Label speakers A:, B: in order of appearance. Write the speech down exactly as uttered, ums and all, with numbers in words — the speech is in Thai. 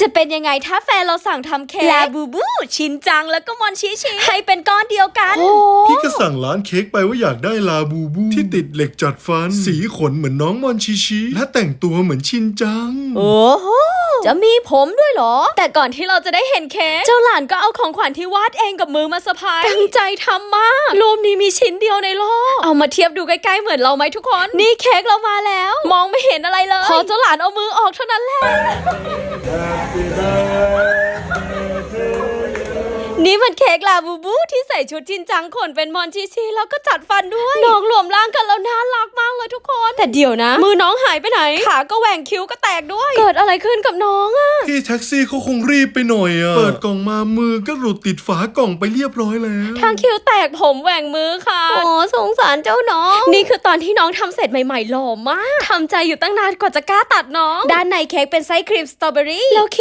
A: จะเป็นยังไงถ้าแฟนเราสั่งทำเค้กลาบูบูชินจังแล้วก็มอนชิชิให้เป็นก้อนเดียวกัน
B: พี่ก็สั่งร้านเค้กไปว่าอยากได้ลาบูบูที่ติดเหล็กจัดฟันสีขนเหมือนน้องมอนชิชิและแต่งตัวเหมือนชินจัง
A: โอ้โหจะมีผมด้วยเหรอแต่ก่อนที่เราจะได้เห็นเค้กเจ้าหลานก็เอาของขวัญที่วาดเองกับมือมาเซอร์ไพรส์ตั้งใจทำมากรูปนี้มีชิ้นเดียวในโลกเอามาเทียบดูใกล้ๆเหมือนเราไหมทุกคนนี่เค้กเรามาแล้วมองไม่เห็นอะไรเลยพอเจ้าหลานเอามือออกเท่านั้นแหละนี่มันเค้กลาบูบูที่ใส่ชุดจินจังขนเป็นมอนชิชิแล้วก็จัดฟันด้วยน้องรวมร่างกันแล้วน่ารักมากเลยทุกคนแต่เดี๋ยวนะมือน้องหายไปไหนขาก็แหว่งคิ้วก็แตกด้วยเกิดอะไรขึ้นกับน้องอะ
B: พี่แท็กซี่เขาคงรีบไปหน่อยอะเปิดกล่องมามือก็หลุดติดฝากล่องไปเรียบร้อยแล้ว
A: ทางคิ้วแตกผมแหว่งมือค่ะโอ้สงสารเจ้าน้องนี่คือตอนที่น้องทำเสร็จใหม่ๆหล่อมากทำใจอยู่ตั้งนานกว่าจะกล้าตัดน้องด้านในเค้กเป็นไส้ครีมสตรอเบอรี่แล้ว